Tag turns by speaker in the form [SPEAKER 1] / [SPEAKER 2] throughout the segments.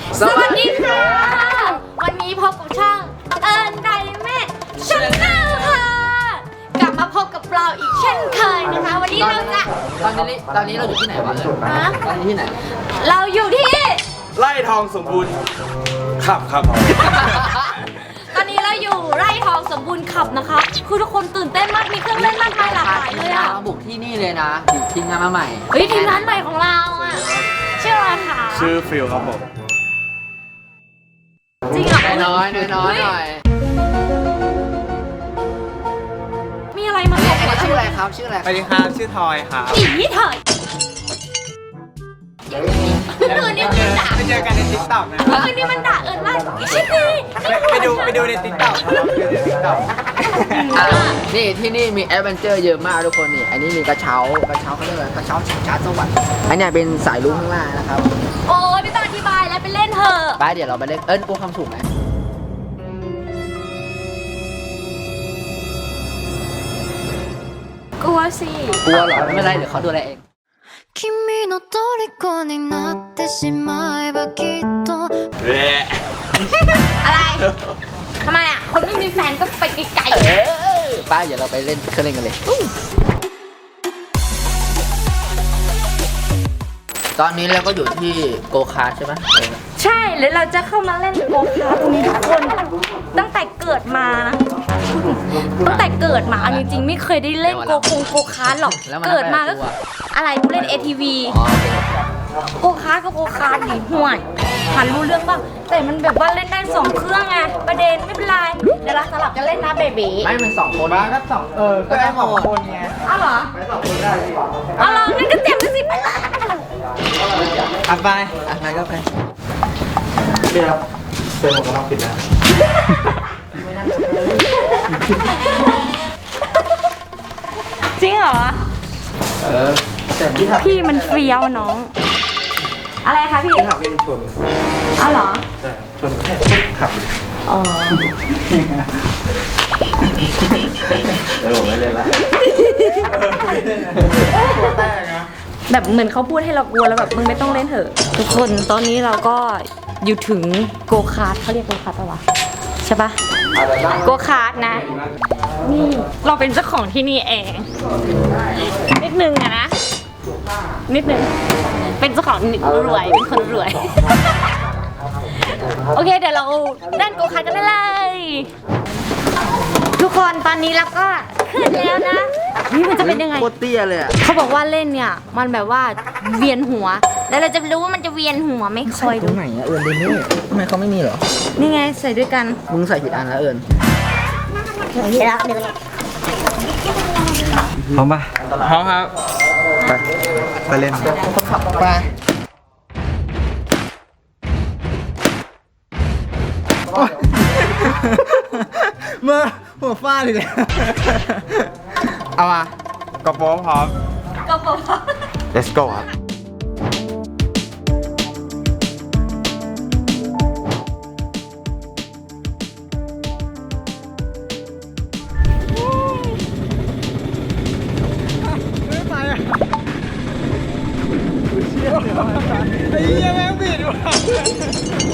[SPEAKER 1] สวัสดีค่ะ วันนี้พบกับช่องเอิญไดแม่ชาแนลค่ะ กลับมาพบกับเราอีกเช่นเคยนะคะ วันนี้เราจะ
[SPEAKER 2] ตอนนี้เราอยู่ที่ไหนวะตอนนี้ที่ไหน
[SPEAKER 1] เราอยู่ที่
[SPEAKER 3] ไร่ทองสมบูรณ์ครับ
[SPEAKER 1] ตอนนี้เราอยู่ไร่ทองสมบูรณ์ขับนะคะคือทุกคนตื่นเต้นมากมีเครื่องเล่นมากมายหลากหลายเลยอะ
[SPEAKER 2] มาบุกที่นี่เลยนะทีมงานมาใหม่
[SPEAKER 1] เฮ้ยทีมงานใหม่ของเราอะชื่ออะไรคะ
[SPEAKER 3] ชื่อฟิลครับผม
[SPEAKER 1] จริงเหรอ
[SPEAKER 2] น้อยหน่อย
[SPEAKER 1] มีอะไรมาบอก
[SPEAKER 2] ชื่ออะไรครับชื่ออะไร
[SPEAKER 3] สวัสดีครับชื่อทอยครับ
[SPEAKER 1] อีเถอะคืนนี้มันด่า
[SPEAKER 3] ไปเจอกันในติ๊กต็อกนะ
[SPEAKER 1] คืนนี้มันด่าเอิญมากชิคกี้
[SPEAKER 3] ไปดูในติ๊กต็อกครับดูในติ๊กต็อก
[SPEAKER 2] นี่ที่นี่มีแอดเวนเจอร์เยอะมากทุกคนนี่อันนี้มีกระเช้าเขาเรียกอะไรกระเช้าชิงช้าสวรรค์อันนี้เป็นสายลุงข้างล่างนะครับ
[SPEAKER 1] โอ้ยไม่ต้องอธิบายแล้วไปเล่นเถอะ
[SPEAKER 2] ไปเดี๋ยวเราไปเล่นกลัวความสูงไหม
[SPEAKER 1] กลัวสิ
[SPEAKER 2] กลัวเหรอไม่เป็นไรเดี๋ยวเขาดูแลเอง
[SPEAKER 4] 君の虜になってしまえばきっと
[SPEAKER 1] อะไรทำไมอ่ะคนไม่มีแฟนก็ไปไกล
[SPEAKER 2] ป้าเดี๋ยวเราไปเล่นเครื่องเล่นกันเลยตอนนี้เราก็อยู่ที่โกคาร์ทใช่ไหม
[SPEAKER 1] ใช่แล้วเราจะเข้ามาเล่นโกคาร์ทตรงนี้ทุกคนตั้งแต่เกิดมานะตั้งแต่เกิดมาเอาจริงๆไม่เคยได้เล่นโกคาร์ทหรอกเกิดมาก็อะไรกูเล่น ATV
[SPEAKER 2] อ๋อโอเค
[SPEAKER 1] โกคาร์ทก็โกคาร์ทดิห่วยหันรู้เรื่องป่ะแต่มันแบบว่าเล่นได้2เครื่องไงประเด็นไม่เป็นไรเดี๋ยวเราสลับกันเล่นนะเบบี
[SPEAKER 2] ไม่เป็น2 คน
[SPEAKER 3] มาก็สองก็ได้สองคนไง
[SPEAKER 1] เอาเหรอ
[SPEAKER 3] ไปสองคนได้ดีกว่า
[SPEAKER 1] เอาเหรองั้นก็เจ็บสิไปละ
[SPEAKER 3] อ่ะไป
[SPEAKER 2] งั้นก็ไป
[SPEAKER 3] เดี๋ยวเป็นหมวกกันน็อกปิดนะ
[SPEAKER 1] จริงเหรอ
[SPEAKER 3] แต่ที่ขับ
[SPEAKER 1] พี่มันเฟี้ยวน้อง อะไรคะพี่
[SPEAKER 3] ขับเป็นชน
[SPEAKER 1] เอาเหรอ
[SPEAKER 3] แต่ชนแค่ขับ
[SPEAKER 1] อ๋อ
[SPEAKER 3] ผมไม่เล่นละตัวแตกนะ
[SPEAKER 1] แบบเหมือนเขาพูดให้เรากลัวแล้วแบบมึงไม่ต้องเล่นเถอะ ทุกคนตอนนี้เราก็อยู่ถึงโกคาร์ทเขาเรียกโกคาร์ทปะวะใช่ปะโกคาร์ทนะ นี่เราเป็นเจ้าของที่นี่เอง นิดนึงอะนะ นิดนึง เป็นเจ้าของรวยเป็นคนรวย โอเคเดี๋ยวเราเล่นโกคาร์ทกันได้เลย ทุกคนตอนนี้เราก็ขึ้นแล้วนะนี่มันจะเป็นยังไง
[SPEAKER 2] โคตรเตี้ยเลยอะ
[SPEAKER 1] เขาบอกว่าเล่นเนี่ยมันแบบว่าเวียนหัว แล้วเราจะรู้ว่ามันจะเวียนหัวไหม่คอย
[SPEAKER 2] ตร
[SPEAKER 1] ดู
[SPEAKER 2] งไหนอะเอิญเดนนี่ทำไมเขาไม่มีเหรอ
[SPEAKER 1] นี่ไงใส่ด้วยกัน
[SPEAKER 2] มึงใส่ผิดอันแล้วเอิญ
[SPEAKER 3] พร้อมป่ะพร้อมครับไปเล่น
[SPEAKER 2] คนขับไป
[SPEAKER 3] เมื่อหัวฟาดเลยเอามากระโปรงพร้อม
[SPEAKER 1] ก็บอกว่า
[SPEAKER 3] let's go ครับไอ้เหี้ยแม่งบิดว่ะ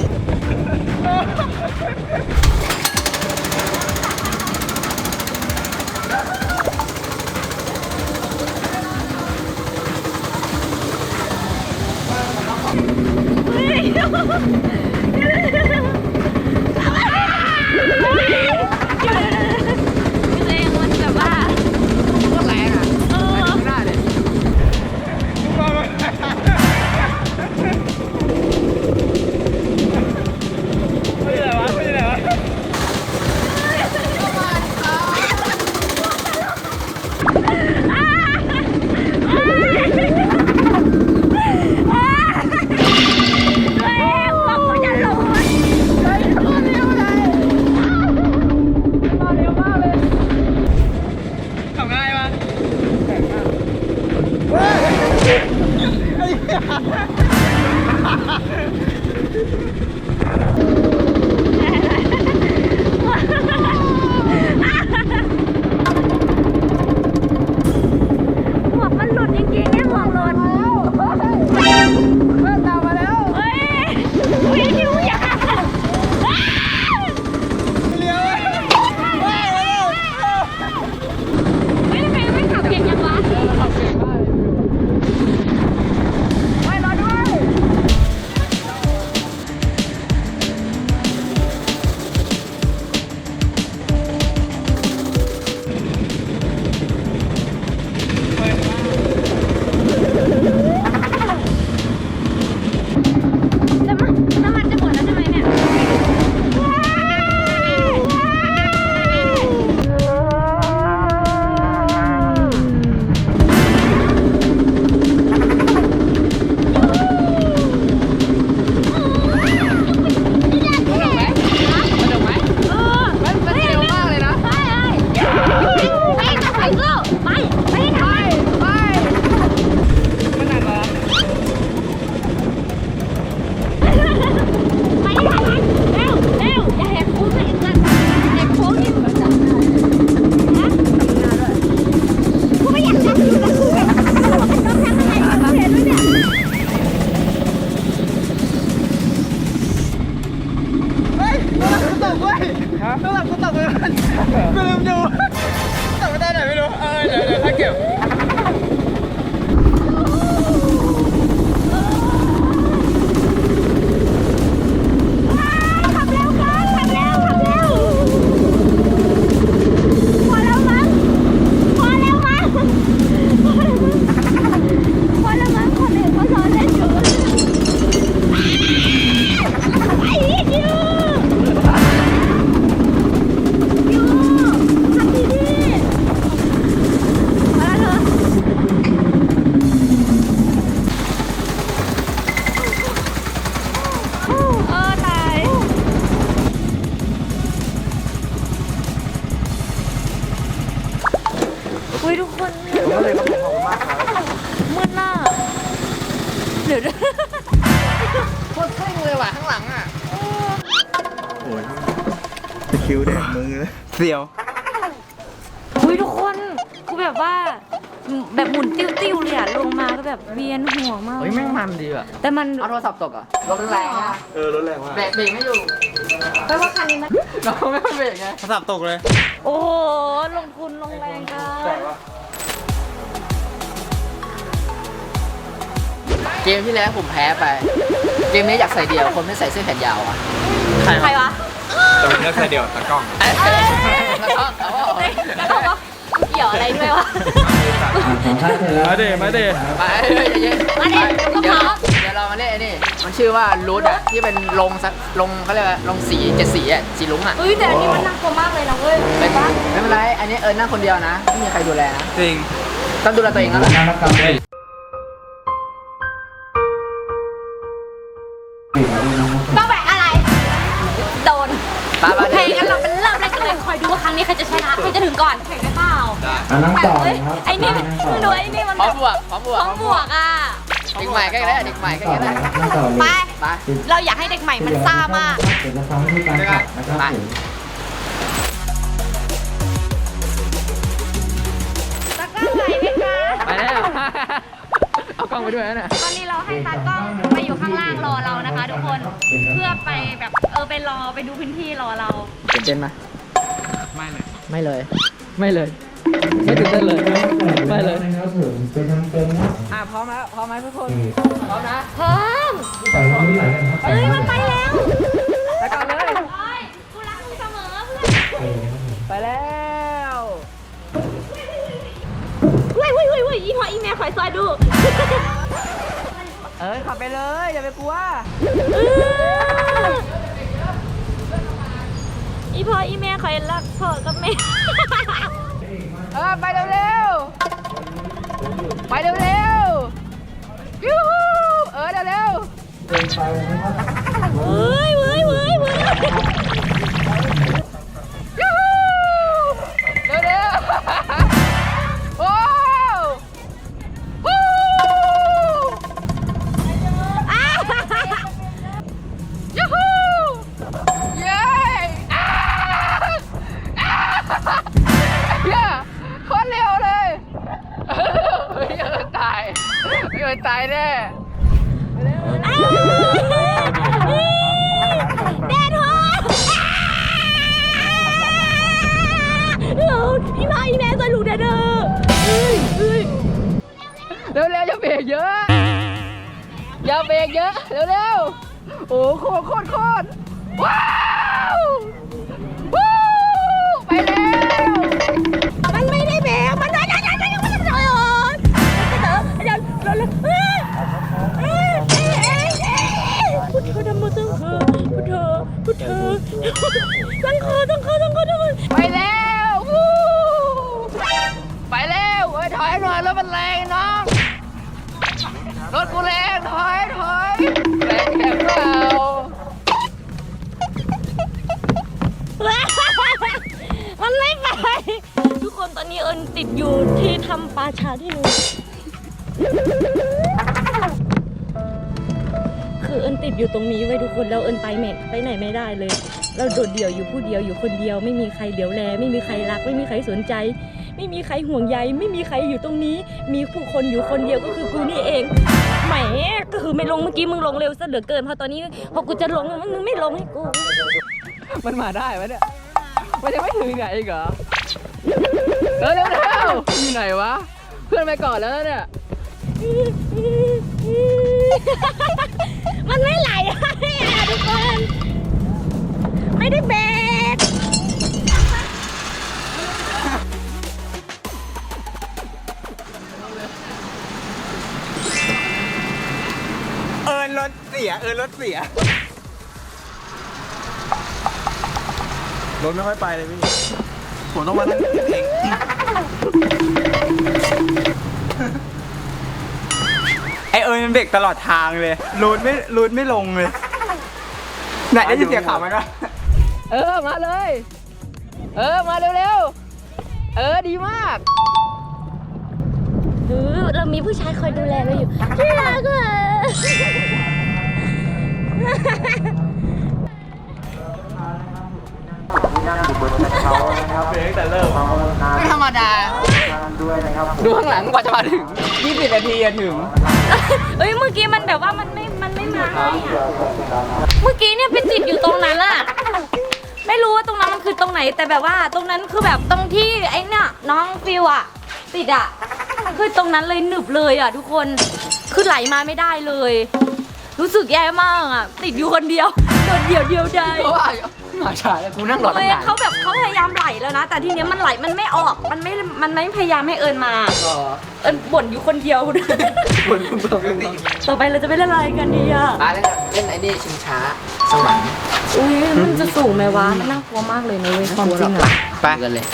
[SPEAKER 1] อุ้ย
[SPEAKER 3] ข้างหลังกูตกไปมันกูลืมดูตกไปได้ไหนไม่รู้เดี๋ยวถ้าเก็บ
[SPEAKER 1] อุ้ยทุกคน
[SPEAKER 3] ก็เลยขอบคุณมากครับ
[SPEAKER 1] มืดหน้าเดี๋ยว
[SPEAKER 2] โคตรเท่งเลยว่ะข้างหลังอ่ะ
[SPEAKER 3] โอ้ยตะคิวแดกมือเลยเสียว
[SPEAKER 1] อุ้ยทุกคนคือแบบว่าแบบหมุนติ้วๆเลยอะลงมาก็แบบเวียนหัวมาก
[SPEAKER 2] เฮ้ยแม่งมันดีอ่ะ
[SPEAKER 1] แต่มัน
[SPEAKER 2] เอาโทรศัพท์ตกอ่ะรถมันแรงอ่ะ
[SPEAKER 3] รถแรงมาก
[SPEAKER 2] เบรกไม่อยู่
[SPEAKER 1] แปลว่าคันนี้มัน
[SPEAKER 2] เราไม่เบรกไง
[SPEAKER 3] โทรศัพท์ตกเลย
[SPEAKER 1] โอ้โหลงทุนลงแรงกัน
[SPEAKER 2] เกมที่แล้วผมแพ้ไป เกมนี้อยากใส่เดี่ยวคนไม่ใส่เสื้อแขนยาวอ่ะ
[SPEAKER 1] ใครวะ
[SPEAKER 3] แต่วันนี้ใส่เดี่ยวตะกล้อง
[SPEAKER 2] แล้วก็เอาว่า
[SPEAKER 1] แล้วบอกว่าเกี่ยวอะไรด้วยวะ
[SPEAKER 3] มาเดมาเด
[SPEAKER 2] ไปเย็นๆ
[SPEAKER 1] มาดิก็พร้อม
[SPEAKER 2] เดี๋ยวเรามาเล่นไอ้นี่มันชื่อว่ารูทอ่ะที่เป็นลงเขาเรียกว่าลงสี7 สีอ่ะสีลุ้งอ่ะ
[SPEAKER 1] เฮ้ยแต่อันนี้มันน่ากลัวมากเลยนะเว้ย
[SPEAKER 2] ไม่เป็นไรอันนี้นั่งคนเดียวนะไม่มีใครดูแลนะ
[SPEAKER 3] จริง
[SPEAKER 2] ต้องดูแลตัวเองแล้วแหละ
[SPEAKER 1] ต้องแบกอะไร โดน
[SPEAKER 2] ไป
[SPEAKER 1] โอเค
[SPEAKER 2] เดี๋ยว
[SPEAKER 1] งั้นเราเป็นเริ่มแรกกันเลยคอยดูว่าครั้งนี้ใครจะชนะใครจะถึงก่อนแข่งได้เปล่า
[SPEAKER 5] นั่งต่อ
[SPEAKER 1] เฮ้ย
[SPEAKER 5] ครับ
[SPEAKER 1] ไอ้นี่มึงดูไอ้นี่มัน
[SPEAKER 2] พร้อมบวกพร้อมบวก
[SPEAKER 1] ต้องบวกอ่ะ
[SPEAKER 2] เด็กใหม่ก็ได้เด็กใหม่ก็
[SPEAKER 5] ต่อ
[SPEAKER 2] ได้
[SPEAKER 5] นะครับนั่งต่อเล
[SPEAKER 1] ไป
[SPEAKER 5] ย
[SPEAKER 2] ไป
[SPEAKER 1] เราอยากให้เด็กใหม่มันซ่ามาก
[SPEAKER 5] เดี๋ยวจะฟังวิธีการขับนะครับ
[SPEAKER 2] ไป
[SPEAKER 5] ผม
[SPEAKER 1] ตากล้องไหนไหมคะ
[SPEAKER 2] ไปแล้วเอากล้องไปด้วยนะ
[SPEAKER 1] ตอนนี้เราให้ตากล้องไปอยู่ข้างล่างรอเรานะคะ ทุกคน เพื่อไปแบบไปรอไปดูพื้นที่รอเรา
[SPEAKER 2] ตื่นเต้นไหม
[SPEAKER 3] ไม่เลย
[SPEAKER 2] ไม่เลย ไม่ตื่นเต้นเลย ไม่เลย
[SPEAKER 5] นะครับผมเป็นทำเป็นนะ
[SPEAKER 2] พร้อมแล้วพร้อมไหมทุกคนพร้อมนะ
[SPEAKER 1] พร้อม
[SPEAKER 5] ใส่ความรู้หลายกันครับ
[SPEAKER 1] เอ้ยมันไปแล้ว
[SPEAKER 2] ไปก่อนเลย
[SPEAKER 1] โอ้ยกูรักมึงเสมอเพื่อน
[SPEAKER 2] ไปแล้ว
[SPEAKER 1] เฮ้ยอีหัวอีแม่คอยซอยดู
[SPEAKER 2] ขับไปเลยอย่าไปกลัว
[SPEAKER 1] อีพ่ออีแม่คอยรักพ่อกับแม่
[SPEAKER 2] ไปเร็วๆไปเร็วๆยูฮูเร็ว
[SPEAKER 5] เดินไปนะครับ
[SPEAKER 1] เฮ้ย
[SPEAKER 2] ๆยูฮูเร็วๆโอ้ฮู้ยูฮูเย้เย้โคตรเร็วเลยเฮ้ยตายตายแน่
[SPEAKER 1] แดดฮอตอีพ่ออีแม่ซอยลูกเด้อ
[SPEAKER 2] เร็วๆอย่าเบรกเยอะอย่าเบรกเยอะเร็วๆโอ้โคตรว้าววู้ไปแล้ว
[SPEAKER 1] มันไม่ได้แบกมันเพุทโธธรรมสังฆพุทโธสังฆ
[SPEAKER 2] ไปแล้ววู้ไปแล้วถอยหน่อยรถมันแรงน้องรถกูแรงถอยแรงแค่เปล่า
[SPEAKER 1] มันไม่ไปทุกคนตอนนี้เอิญติดอยู่ที่ทำปลาชาที่นู่นคือเอิญติดอยู่ตรงนี้ไว้ทุกคนแล้วเอิญไปไหนไม่ได้เลย เราโดดเดี่ยวอยู่ผู้เดียวอยู่คนเดียวไม่มีใครเดี๋ยวแลไม่มีใครรักไม่มีใครสนใจ ไม่มีใครห่วงใยไม่มีใครอยู่ตรงนี้ มีผู้คนอยู่คนเดียวก็คือกูนี่เองแหมก็คือไม่ลงเมื่อกี้มึงลงเร็วซะเหลือเกินพอตอนนี้พอกูจะลงมึงไม่ลงให้กู
[SPEAKER 2] มันมาได้ไหมเนี่ย
[SPEAKER 1] ไ
[SPEAKER 2] มันยังไม่ถึงไหนอีกเหรอเร็วอยู่ไหนวะเพื่อนไปก่อนแล้วเนี่ย
[SPEAKER 1] มันไม่ไหลให้อะทุกคน ไม่ได้เบรก
[SPEAKER 3] รถเสียรถเสียรถไม่ค่อยไปเลยพี่ผมต้องมานั่งเองไอมันเบรกตลอดทางเลยรูดไม่ลงเลยไหนได้ยินเสียงข่าวมันวะ
[SPEAKER 2] มาเลยมาเร็วดีมาก
[SPEAKER 1] เรามีผู้ชายคอยดูแลเราอยู่ที่รักอ่ะ
[SPEAKER 2] ไม่ธรรมดาดูข้างหลังกว่าจะมาถึง
[SPEAKER 3] 20 นาทีอะถึง
[SPEAKER 1] เอ้ยเมื่อกี้มันแบบว่ามันไม่มาให้อ่ะเมื่อกี้เนี่ยไปติดอยู่ตรงนั้นอะไม่รู้ว่าตรงนั้นมันคือตรงไหนแต่แบบว่าตรงนั้นคือแบบตรงที่ไอ้เนี่ยน้องฟิวอะติดอะคือตรงนั้นเลยหนึบเลยอะทุกคนคือไหลมาไม่ได้เลย รู้สึกแย่มากอะติดอยู่คนเดียวโดดเดี่ยวได้
[SPEAKER 2] เพราะว่ามาช้าแล้วกูนั่งรอตั้งนาน
[SPEAKER 1] เขาแบบเขาพยายามไหลแล้วนะ แต่ทีเนี้ยมันไหลมันไม่ออกมันไม่พยายามให้เอิญมาเอิญบ่นอยู่คนเดียวต่อไปเราจะไปเล่นอะไรกันดีอะ
[SPEAKER 2] เล่นไอ้นี่ชิงช้าสวรรค์
[SPEAKER 1] อุ้ยมันจะสูงไหมวะมันน่ากลัวมากเลยนะเว้ยความจริงอะ
[SPEAKER 3] ไป
[SPEAKER 2] กันเลย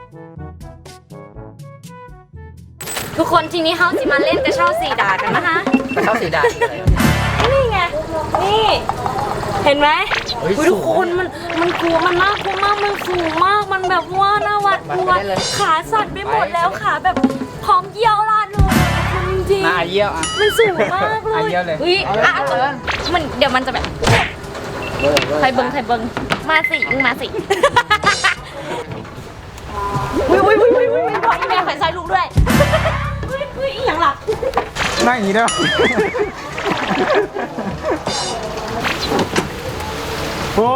[SPEAKER 1] ทุกคนทีนี้เขาจะมาเล่นกระเช้าสีดากันนะคะ
[SPEAKER 2] กระเช้าสีดา
[SPEAKER 1] นี่ไงนี่เห็นไหมอุ๊ยทุกคนมันกลัวมันน่ากลัวมากมันสูงมากมันแบบว่าน่าหวาดกลัวขาสั่นไปหมดแล้วขาแบบพร้อมเยี่ยวราดเลยจริง
[SPEAKER 3] มาเยี่ยวอ่ะ
[SPEAKER 1] มันสูงมากเลย
[SPEAKER 3] เยี่ยวเลย
[SPEAKER 1] อุ้ยมันเดี๋ยวมันจะแบบใครเบิ้งมาสิมึงมาสิอุ้ยบอกอีแม่ใส่ใส่ลูกด้วยอุ้ยอีหยังหลับ
[SPEAKER 3] นั่งอย่างนี้ได้ปะโอ้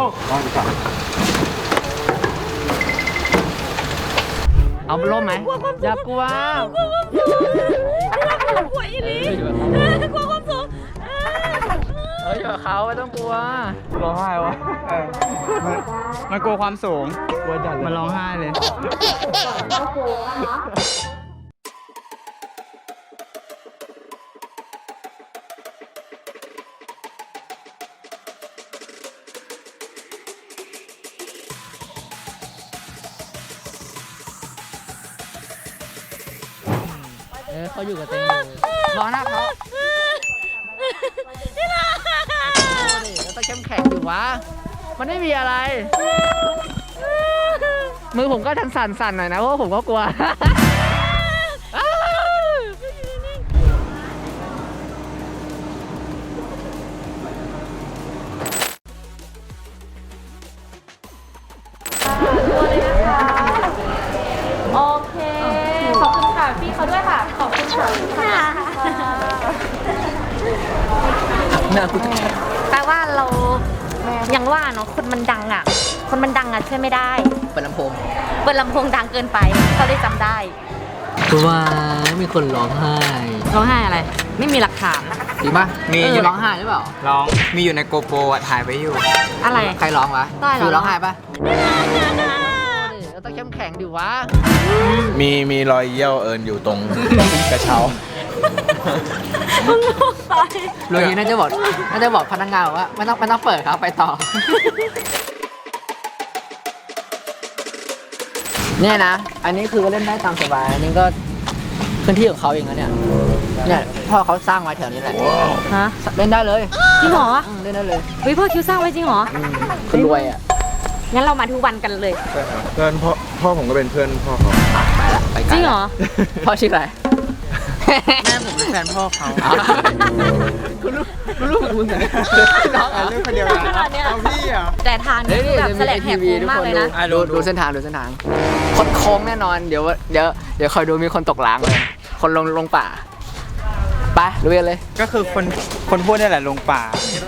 [SPEAKER 2] เอาล่มไหมอย่ากลัว
[SPEAKER 1] กลัวอีหลีกลัวความสูง
[SPEAKER 2] อยู่กับเขาไม่ต้องกลัว
[SPEAKER 3] ร้องไห้วะมันกลัวความสูงมันร้องไห้เลย
[SPEAKER 2] เขาอยู่กับเต็งอยู่รอหน้าเขาแล้วต้องเข้มแข็งอยู่วะมันไม่มีอะไร มือผมก็สั่นๆหน่อยนะเพราะผมก็กลัว
[SPEAKER 1] โอเค ขอบคุณค่ะพี่เขาด้วยค่ะ ขอบคุณค่ะแปลว่าเรายังว่าเนาะคนมันดังอ่ะช่วยไม่ได้
[SPEAKER 2] เปิดลำโพง
[SPEAKER 1] เปิดลำโพงดังเกินไปเขาได้จำได้
[SPEAKER 2] ว่ามีคนร้องไห้
[SPEAKER 1] ร้องไห้อะไร ไม่มีหลักฐาน
[SPEAKER 2] จริงปะ
[SPEAKER 3] มี
[SPEAKER 2] อยู่ร้องไห้หรือเปล่า
[SPEAKER 3] ร้อง มีอยู่ในโกโปรอ่ะถ่ายไว้อยู่
[SPEAKER 1] อะไร
[SPEAKER 2] ใครร้องวะ
[SPEAKER 1] ได้เหรอ
[SPEAKER 2] ฟิวร้องไห้ปะเราต้องเข้มแข็งดิวะ
[SPEAKER 6] มีรอยเยี่ยวเอิญอยู่ตรงกระเช้า
[SPEAKER 2] โรยน่าจะบอกพนักงานว่าไม่ต้องเปิดครับไปต่อ เนี่ยนะ อันนี้คือเล่นได้ตามสบาย อันนี้ก็พื้นที่ของเขาเองนะเนี่ย เนี่ยพ่อเขาสร้างไว้แถวนี้แหละ
[SPEAKER 1] ฮะ
[SPEAKER 2] เล่นได้เลย
[SPEAKER 1] จริงเหรอ
[SPEAKER 2] เล่นได้เลย
[SPEAKER 1] เฮ้ยพ่อคิวสร้างไว้จริงเหรอ
[SPEAKER 2] คนรวยอ่ะ
[SPEAKER 1] งั้นเรามาทุกวันกันเลย
[SPEAKER 6] เพื่อนพ่อผมก็เป็นเพื่อนพ่อเขา
[SPEAKER 2] ไปละไปไกล
[SPEAKER 1] จริงเหรอ
[SPEAKER 2] พ่อชื่ออะไร
[SPEAKER 3] แม่ผมเป็นแฟนพ่อเขา
[SPEAKER 2] คุณรู้มึงไงน้อง
[SPEAKER 3] เรื่องคนเดียวกันเอาพี่อ่ะ
[SPEAKER 1] แต่ทานนี่คือแบบแสลงแหกโค้งมากเลยนะ
[SPEAKER 2] ดูเส้นทางคดโค้งแน่นอน เดี๋ยวคอยดูมีคนตกหล้างเลย คนลงป่า ไปลุยกันเลย
[SPEAKER 3] ก็คือคนพูดนี่แหละลงป่า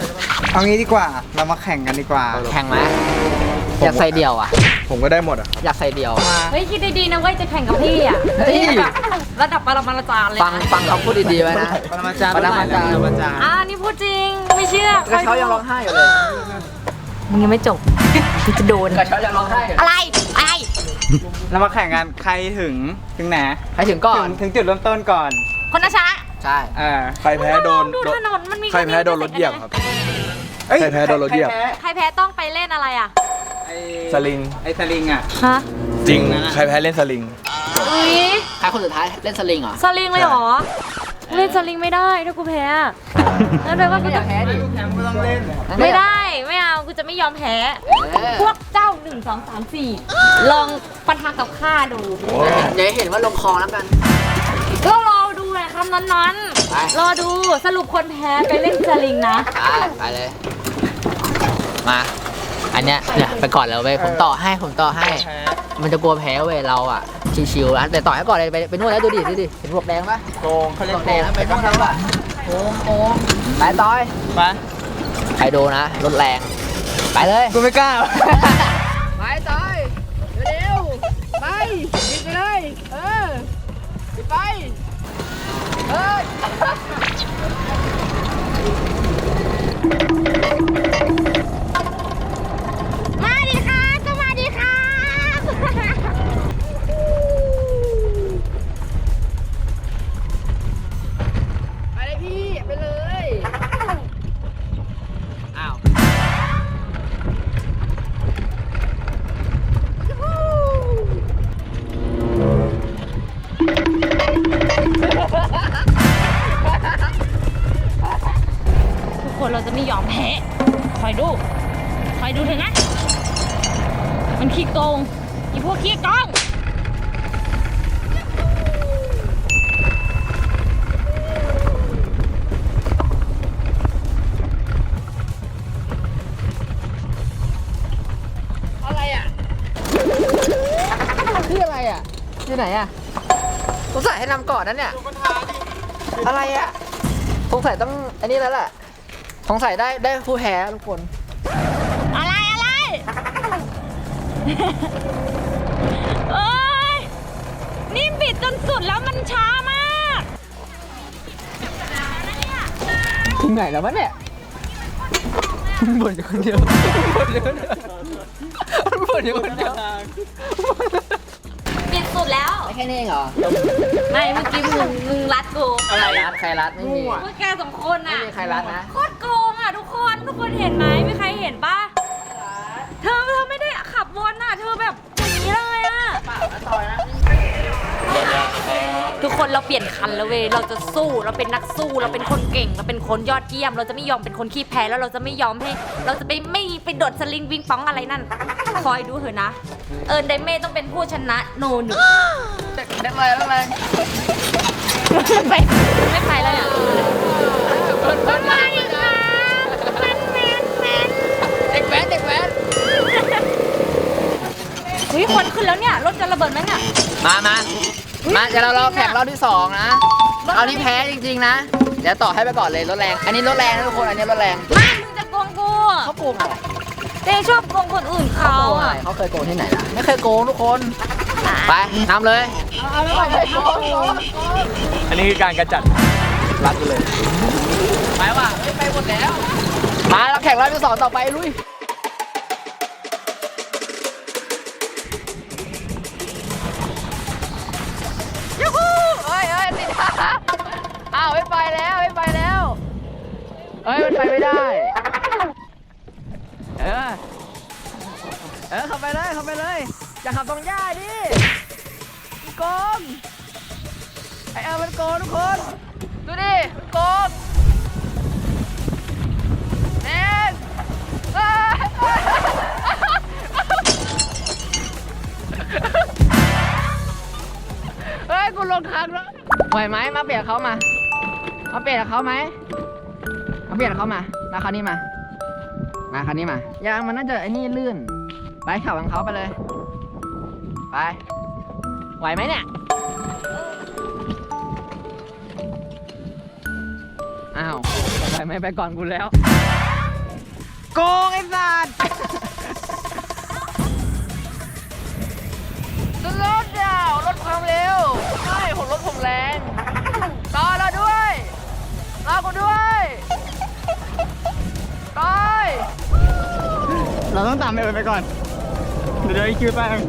[SPEAKER 3] เอางี้ดีกว่า เรามาแข่งกันดีกว่า
[SPEAKER 2] แข่งไหมอยากใส่เดี่ยวอ่ะ
[SPEAKER 6] ผมก็ได้หมดอ่ะ
[SPEAKER 2] อยากใส่เดี่ยว
[SPEAKER 1] เฮ้ยคิดดีๆนะเว้ยจะแข่งกับพี่อ่ะ
[SPEAKER 2] เฮ้ย
[SPEAKER 1] ระดับปรมาจารย์เลย
[SPEAKER 2] ฟัง
[SPEAKER 1] นะ
[SPEAKER 2] ฟังเขาพูดดีๆไว้นะ
[SPEAKER 3] ปรมาจารย์
[SPEAKER 2] ปรมาจารย์
[SPEAKER 3] ปรมาจารย์
[SPEAKER 1] นี่พูดจริงไม่เชื่อก
[SPEAKER 2] ระเช้ายังร้องไห้อยู่เลย
[SPEAKER 1] มึงยังไม่จบกูจะโดน
[SPEAKER 2] กระเช้ายังร้องไห้อยู่
[SPEAKER 1] อะไรไอ
[SPEAKER 3] เรามาแข่งกันใครถึงไหน
[SPEAKER 2] ใครถึงก่อน
[SPEAKER 3] ถึงจุดเริ่มต้นก่อน
[SPEAKER 1] คนนะชนะ
[SPEAKER 2] ใช่
[SPEAKER 6] ใครแพ้โดน
[SPEAKER 1] ดูถนนมันมี
[SPEAKER 6] ใครแพ้โดนรถเหยียบครับ
[SPEAKER 3] เอ้ย
[SPEAKER 6] ใครแพ้โดนรถเหยียบ
[SPEAKER 1] ใครแพ้ต้องไปเล่นอะไรอ่ะ
[SPEAKER 3] ไอ้
[SPEAKER 6] สลิง
[SPEAKER 3] ไอ้สลิงอ่ะ
[SPEAKER 1] ฮะ
[SPEAKER 6] จริง ใครแพ้เล่นสลิง
[SPEAKER 1] อุ้ย
[SPEAKER 2] ใครคนสุดท้ายเล่นสลิงเหรอ
[SPEAKER 1] สลิงเลยเหรอเล่นสลิงไม่ได้ถ้ากูแพ้อะแล้วแปลว่ากู
[SPEAKER 2] ไม่อ
[SPEAKER 1] จะ
[SPEAKER 2] ยากแพ้ดิ
[SPEAKER 3] แข่งก็ต้องเล่น
[SPEAKER 1] ไม่ได้ไม่เอากูจะไม่ยอมแพ้ พวกเจ้า1 2 3 4ลองปะทะกับข้าดู
[SPEAKER 2] เดี๋ยวเห็นว่าลงคอแล้วกัน
[SPEAKER 1] ก็รอดูเลยคำนั้น
[SPEAKER 2] ไป
[SPEAKER 1] ๆรอดูสรุปคนแพ้ไปเล่นสลิงนะ
[SPEAKER 2] ไปเลย มา อันเนี้ยเนี่ยไปก่อนแล้วเว้ยผมต่อให้ มันจะกลัวแพ้เว้ยเราอ่ะชิวๆนะแต่ต่อให้ก่อนเลยไปนู่นแล้วดูดิเห็นพวกแดงปะ
[SPEAKER 3] โกงเขาเรีย
[SPEAKER 2] พ
[SPEAKER 3] ก
[SPEAKER 2] วก
[SPEAKER 3] โก
[SPEAKER 2] แดง
[SPEAKER 3] ง
[SPEAKER 2] แล้วไปนู่นแล้วปะโอ้ไปต่อย
[SPEAKER 3] มา
[SPEAKER 2] ใครโดนนะรถแรงไปเลย
[SPEAKER 3] กูไม่กล้า
[SPEAKER 2] ไปต่อยเร็วๆไปยิงไปเลยไป
[SPEAKER 1] มาดิค่ะสวัสดีค่ะ
[SPEAKER 2] ไปเลยพี่ไปเลยอ้าว
[SPEAKER 1] ทุกคนเราจะไม่ยอมแพ้คอยดูเถอะนะ มันขี้โกงอีพวกขี้โกง
[SPEAKER 2] อะไรอ่ะคืออะไรอ่ะอยู่ไหนอ่ะสงสัยให้นำก่อนนั้นเนี่ยอะไรอ่ะสงสัยต้องอันนี้แล้วแหละสงสัยได้ผู้แพ้ทุกคน
[SPEAKER 1] อะไรเอ้ยนี่บิดจนสุดแล้วมันช้ามาก
[SPEAKER 2] ถึงไหนแล้ววะเนี่ยบ่นอยู่คนเดียวบ่นอยู่คนเดียว
[SPEAKER 1] บิดสุดแล้ว
[SPEAKER 2] แค่นี้เองเหรอ
[SPEAKER 1] ไม่เมื่อกี้มึงรัดกู
[SPEAKER 2] อะไรรัดใครรัดไม่มี
[SPEAKER 1] พวกแกสองคนอ่ะ
[SPEAKER 2] ไม่มีใครรัดนะ
[SPEAKER 1] โคตรโกงอ่ะทุกคนเห็นไหมมีใครเห็นปะเธอไม่ได้ขับวนอ่ะเธอแบบอย่างนี้เลยอ่ะทุกคนเราเปลี่ยนคันแล้วเว้ยเราจะสู้เราเป็นนักสู้เราเป็นคนเก่งเราเป็นคนยอดเยี่ยม เราจะไม่ยอมเป็นคนขี้แพ้แล้วเราจะไม่ยอมให้ เราจะไม่ไปโดดสลิงวิงป้องอะไรนั่นคอยดูเถอะนะไดเม่ต้องเป็นผู้ชนะโนหนึ่ง
[SPEAKER 2] ได้เลยได้เลย
[SPEAKER 1] ไม่ไปแล้วเนี่ยมันมาอีกแล้วมันแมน
[SPEAKER 2] เด็กแว้น
[SPEAKER 1] เฮ้ยคนขึ้นแล้วเนี่ยรถจะระเบิดไหมเนี่ย
[SPEAKER 2] มาเดี๋ยวเราแข่งรอบที่2นะเอาที่แพ้จริงๆนะเดี๋ยวต่อให้ไปก่อนเลยรถแรงอันนี้รถแรงนะทุกคนอันนี้รถแรง
[SPEAKER 1] ไม่มึงจะโกงกู
[SPEAKER 2] เขาโกงอะไร
[SPEAKER 1] เต้ชอบโกงคนอื่น
[SPEAKER 2] เขา
[SPEAKER 1] เขา
[SPEAKER 2] โกงอะไร
[SPEAKER 1] อ่ะ
[SPEAKER 2] เขาเคยโกงที่ไหนล่ะไม่เคยโกงทุกคนไปนำเลยเอาไม่โกง
[SPEAKER 6] อันนี้คือการกระจัดรัดไปเลย
[SPEAKER 2] ไปว่ะไปหมดแล้วมาเราแข่งรอบที่2ต่อไปลุยยูฮูเฮ้ยติดอ้าวไม่ไปแล้วเฮ้ยมันไปไม่ได้ขับไปเลยอย่าขับตรงหญ้าดิมันโกงมันโกงทุกคนดูดิมันโกงเน่นเฮ้ยกูลงทางแล้วไหวไหมมาเปลี่ยนเขามาเปลี่ยนกับเขาไหมมาเปลี่ยนกับเขามาแล้วคันนี้มาคันนี้มายางมันน่าจะไอ้นี่ลื่นไปขับของเขาไปเลยไปไหวไหมเนี่ยอ้าวไปไม่ไปก่อนกูแล้ว
[SPEAKER 3] โกงไอ้สัตว์
[SPEAKER 2] ลดดาวลดความเร็วใช่ผมลดผมแรงต่อเราด้วยรอกูด้วยต่อย
[SPEAKER 3] เราต้องตามไปก่อน เดี๋ยวไอ้คิวแป้ง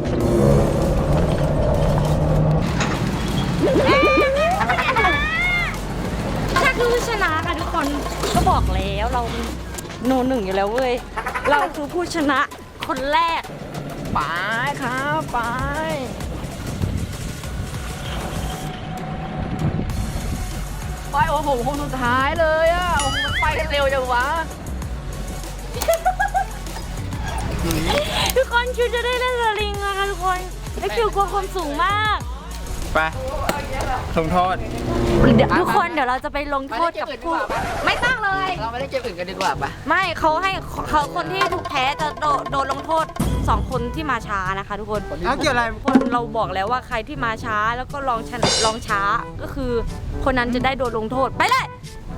[SPEAKER 1] ถ้าคือผู้ชนะค่ะทุกคนก็บอกแล้วเราโนหนึ่งอยู่แล้วเว้ย เราคือผู้ชนะคนแรก
[SPEAKER 2] ไปครับไปไปโอ้โหคนสุดท้ายเลยอ่ะโอ้โหมันไปกันเร็วจังวะ
[SPEAKER 1] ทุกคนคิวจะได้เล่นสลิงอะค่ะทุกคนและคิวกลัวความสูงมาก
[SPEAKER 3] ไปลงโทษ
[SPEAKER 1] ทุกคนเดี๋ยวเราจะไปลงโทษกับผู้ไม่ต้องเลย
[SPEAKER 2] เราไม่ได้เกมอื่นกันดีกว่าปะ
[SPEAKER 1] ไม่เขาให้เขาคนที่ถูกแพ้จะโดนลงโทษ2 คนที่มาช้านะคะ ทุกคน
[SPEAKER 3] เอาเกี่ยวอะไร
[SPEAKER 1] คนเราบอกแล้วว่าใครที่มาช้าแล้วก็ลองช้าก็คือคนนั้นจะได้โดนลงโทษไปเลย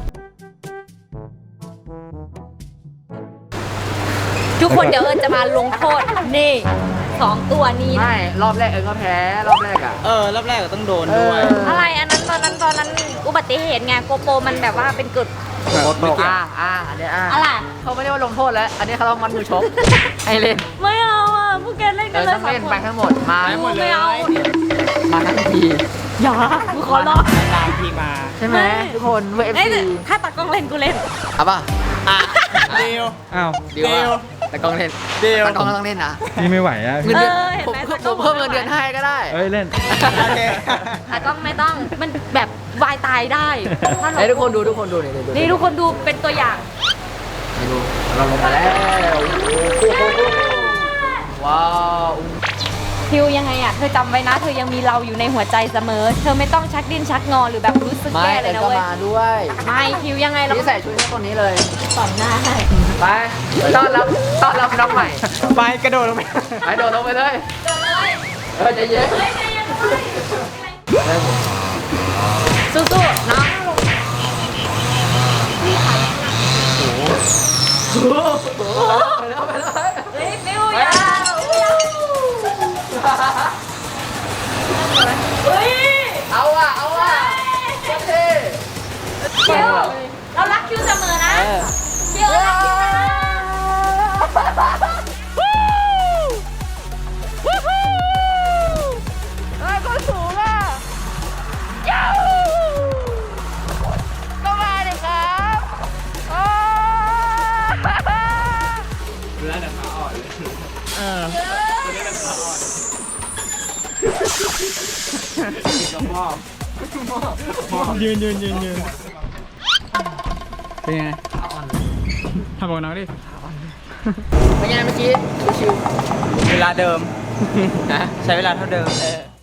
[SPEAKER 1] ทุกคนเดี๋ยวเอิญจะมาลงโทษนี่2 ตัวนี้นะ
[SPEAKER 2] ไม่รอบแรกเองก็แพ้รอบแรกอ่ะ
[SPEAKER 3] รอบแรกก็ต้องโดนด้วย
[SPEAKER 1] อะไรอันนั้นตอนนั้นอุบัติเหตุไงโกโปรมันแบบว่าเป็นกฎ
[SPEAKER 2] อันนี้
[SPEAKER 1] อะไร
[SPEAKER 2] เขาไม่ได้ว่าลงโทษแล้ว อันนี้เขาต้องมัดมือชก ให้เล่น
[SPEAKER 1] ไม่เอาอ่ะพวกแกเล่นกันเลย
[SPEAKER 2] ต้องเล่นไปทั้งหมดมา
[SPEAKER 3] ไปหมดเลย
[SPEAKER 1] ไม่เอา
[SPEAKER 2] มาทั้งที
[SPEAKER 1] อย่ากูขอร้อง
[SPEAKER 3] นานทีมา
[SPEAKER 2] ใช่ไหมทุกคนเวฟ
[SPEAKER 1] เอ้ย
[SPEAKER 2] ซี
[SPEAKER 1] ถ้าตากล้องเล่นกูเล่น
[SPEAKER 2] เอาป่ะ
[SPEAKER 3] เดียวอ้าว
[SPEAKER 2] เดี๋ยวแต่กล้องเล่น
[SPEAKER 3] เดียว
[SPEAKER 2] แต่กล้องก็ต้องเล่นนะ
[SPEAKER 5] นี่ไม่ไหวอะ
[SPEAKER 2] เงินเดือน
[SPEAKER 1] เห็น
[SPEAKER 2] ผม
[SPEAKER 1] ไหม
[SPEAKER 2] ผมเพิ่มเงินเดือนให้ก็ได้
[SPEAKER 5] เอ้ยเล่น
[SPEAKER 3] โอเค
[SPEAKER 1] ตากล้องไม่ต้องมันแบบวายตายได้ถ้าเรา
[SPEAKER 2] ให้ทุกคนดูนี่
[SPEAKER 1] นี่ทุกคนดูเป็นตัวอย่าง
[SPEAKER 2] ให้ดูเราลงมาแล้วว้าว
[SPEAKER 1] คิวยังไงอ่ะเธอจำไว้นะ เธอยังมีเราอยู่ในหัวใจเสมอ เธอไม่ต้องชักดิ้นชักงอหรือแบบรู้สึก
[SPEAKER 2] ไม่
[SPEAKER 1] แย่เล
[SPEAKER 2] แต่
[SPEAKER 1] ยนะ
[SPEAKER 2] ก็
[SPEAKER 1] เว้ย
[SPEAKER 2] มาด้วย
[SPEAKER 1] ไม่คิวยังไงเรา
[SPEAKER 2] นี่ใส่ชุดให้คนนี้เลย
[SPEAKER 1] ต่อนหน้าให้
[SPEAKER 2] ไปต้อนรับน้องใหม่
[SPEAKER 3] ไปกระโดดลงไป
[SPEAKER 2] ไปโดดลงไปเลย
[SPEAKER 1] เดินเลย
[SPEAKER 2] ใจเย็น
[SPEAKER 1] เฮ้ยใจเย็นสู้ๆน้อง
[SPEAKER 2] ไปเลย
[SPEAKER 1] เฮ้ยฟิวอย่าเฮ้ย
[SPEAKER 2] เอาว่ะโอเค
[SPEAKER 1] คิวเรารักคิวเสมอนะคิวเรารักคิวนะ
[SPEAKER 2] ก็สูงอ่ะย้าวก็มาดิครับโอ้
[SPEAKER 3] ยืนเป็นไงทำบอกน้องดิ
[SPEAKER 2] เป็นไงเมื่อกี้ชิว
[SPEAKER 3] เวลาเดิม
[SPEAKER 2] ๆนะ
[SPEAKER 3] ใช้เวลาเท่าเดิม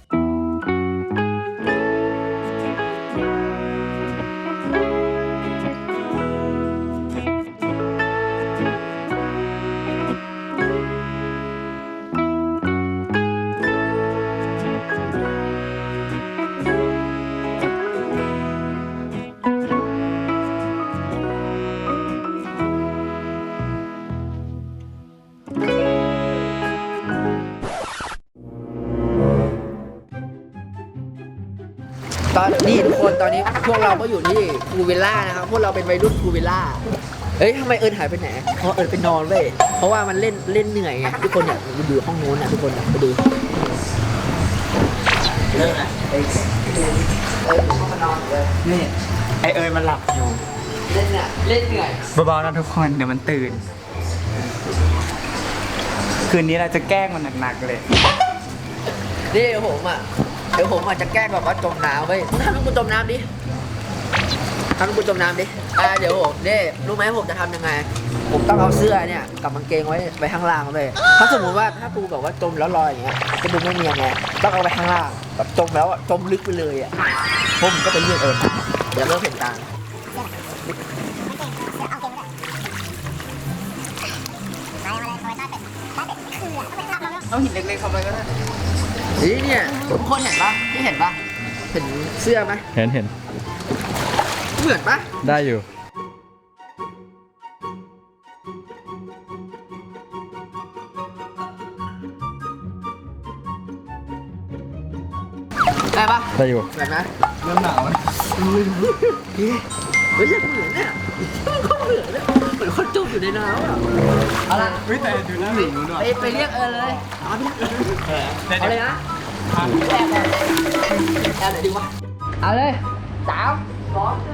[SPEAKER 2] ตอนนี้ทุกคนตอนนี้พวกเราก็อยู่ที่พูลวิลล่านะครับพวกเราเป็นวัยรุ่นพูลวิลล่าเอ้ยทำไมเอิญหายไปไหนเพราะเอิญไปนอนเว้ยเพราะว่ามันเล่นเหนื่อยไงทุกคนอยากดูห้องโน้นนะทุกคนอยากไปดูเริ่มนะเอิญมานอนเลย
[SPEAKER 3] นี่ ไอเอ๋ยมันหลับอยู่
[SPEAKER 2] เล่นเหนื่อย
[SPEAKER 3] เบาๆนะทุกคนเดี๋ยวมันตื่น คืนนี้เราจะแกล้งมันหนักๆเลย
[SPEAKER 2] นี่เดี๋ยวผมจะแกล้งแบบว่าจมน้ำเว้ยทำให้กูจมน้ำดิทำให้กูจมน้ำดิเดี๋ยวผมนี่รู้ไหมผมจะทำยังไง ผมต้องเอาเสื้อเนี่ยกับกางเกงไว้ข้างล่างเลยถ้าสมมติว่าถ้ากูแบบว่าจมแล้วลอยอย่างเงี้ยจะดูไม่เนียนไงต้องเอาไปข้างล่างแบบจมแล้วจมลึกไปเลยอ่ะผมก็เป็นเรื่องเดี๋ยวเริ่มเห็นตา
[SPEAKER 3] เอาหินเล็กๆเข้าไปก็ได้
[SPEAKER 2] นี่เนี่ยทุกคนเห็นปะที่เห็นปะเห็นเสื้อไหม
[SPEAKER 5] เห็น
[SPEAKER 2] เหมือนปะ
[SPEAKER 5] ได้อยู่
[SPEAKER 2] ได้ปะ
[SPEAKER 3] ได้อยู่
[SPEAKER 2] แบบนะ
[SPEAKER 3] เริ่มหนาวแล้ว
[SPEAKER 2] เฮ้ยเหมือนเนี่ยคนเหมือนเนี่ยเหมือนคนจุ่มอยู่ในน้ำอ่ะเอาละ
[SPEAKER 3] เฮ้ยแต่ดูหน้าหนูนู้นว่ะ
[SPEAKER 2] ไปเรียกเลยเอาเลยนะแอบไหนดีวะเอาเลย3 2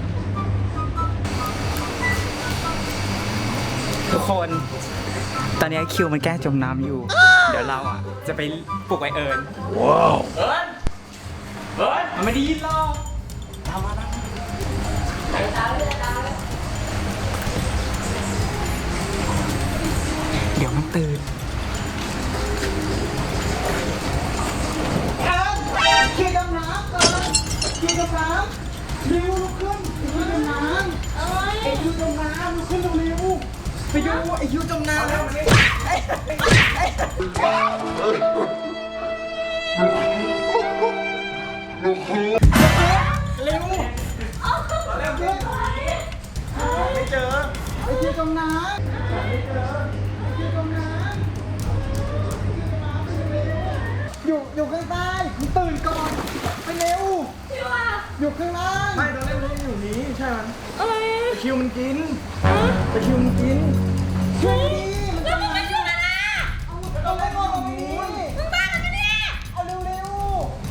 [SPEAKER 3] ทุกคน ตอนนี้คิวมันแกล้งจมน้ำอยู่ เดี๋ยวเราอ่ะ จะไปปลุกไอเอิญว้าวเอิญมันไม่ได้ยินหรอกตามมาเดี๋ยวมันตื่นคิวจมน้ำก่อนคิวจมน้ำริวลุกขึ้นคิวจมน้ำไอคิวจมน้ำลุกขึ้นเร็วไปดูไอคิวจมน้ำแล้วไม่เจอไอคิวจมน้ำอยู่ข้างใต้คุณตื่นก่อนไปเร็วอยู่ข้างล่างไม่ตอนแรกมันอยู่นี้ใช่ไหมอะไรคิวมันกินไปคิวมันกินช่วยดีแล้วมึงไปช่วยมันนะเอาไปก่อนมึงบ้ากันไม่ได้เอาเร็ว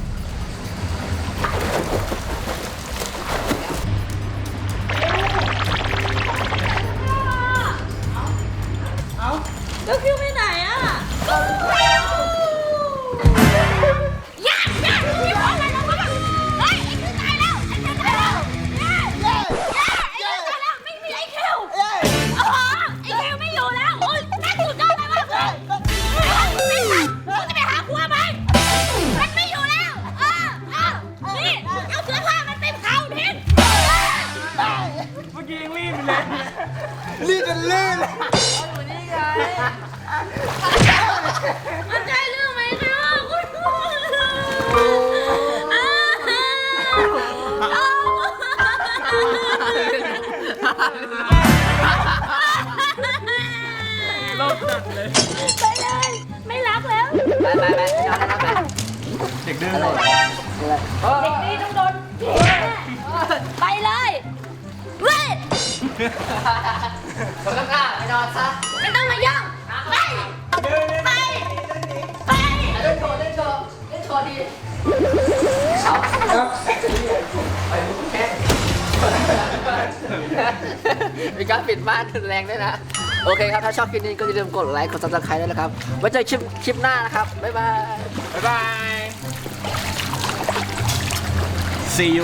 [SPEAKER 3] เอา
[SPEAKER 1] แล้วคิวไปไหนอ่ะอย่าคิวอะไรนะวะเฮ้ยไอ้คิวตายแล้วไอ้คิวตายแล้วไม่มีไอ้คิวโอ้โหไอ้คิวไม่อยู่แล้วโอ้ยนั่งอยู่จ้องอะไรวะมึงจะไปหาครัวไหมมันไม่อยู่แล้วนี่เอาเสื้อผ้ามันไปเผาทิ้ง
[SPEAKER 3] เมื่อกี้ยังรีบอยู่เลยรีบจนลื่นเลย
[SPEAKER 1] มันใช่เรื่องไหมคะคุณ
[SPEAKER 3] โลกจัดเลย
[SPEAKER 1] ไปเลยไม่รักแล้ว
[SPEAKER 2] ไปย้อนไป
[SPEAKER 3] เด็กดื้อเลย
[SPEAKER 1] เด็กนี้ต้องโดนไปเลยเว้ย
[SPEAKER 2] คนข้างๆไปนอนซะ
[SPEAKER 1] ไม่ต้องมาย่องไปไปไป
[SPEAKER 2] เล่นโชว์ดีมีการปิดบ้านแรงด้วยนะ โอเคครับ ถ้าชอบคลิปนี้ก็อย่าลืมกดไลค์ กด subscribe ด้วยนะครับ ไว้เจอคลิปหน้านะครับ บ๊ายบาย
[SPEAKER 6] บ๊ายบาย see you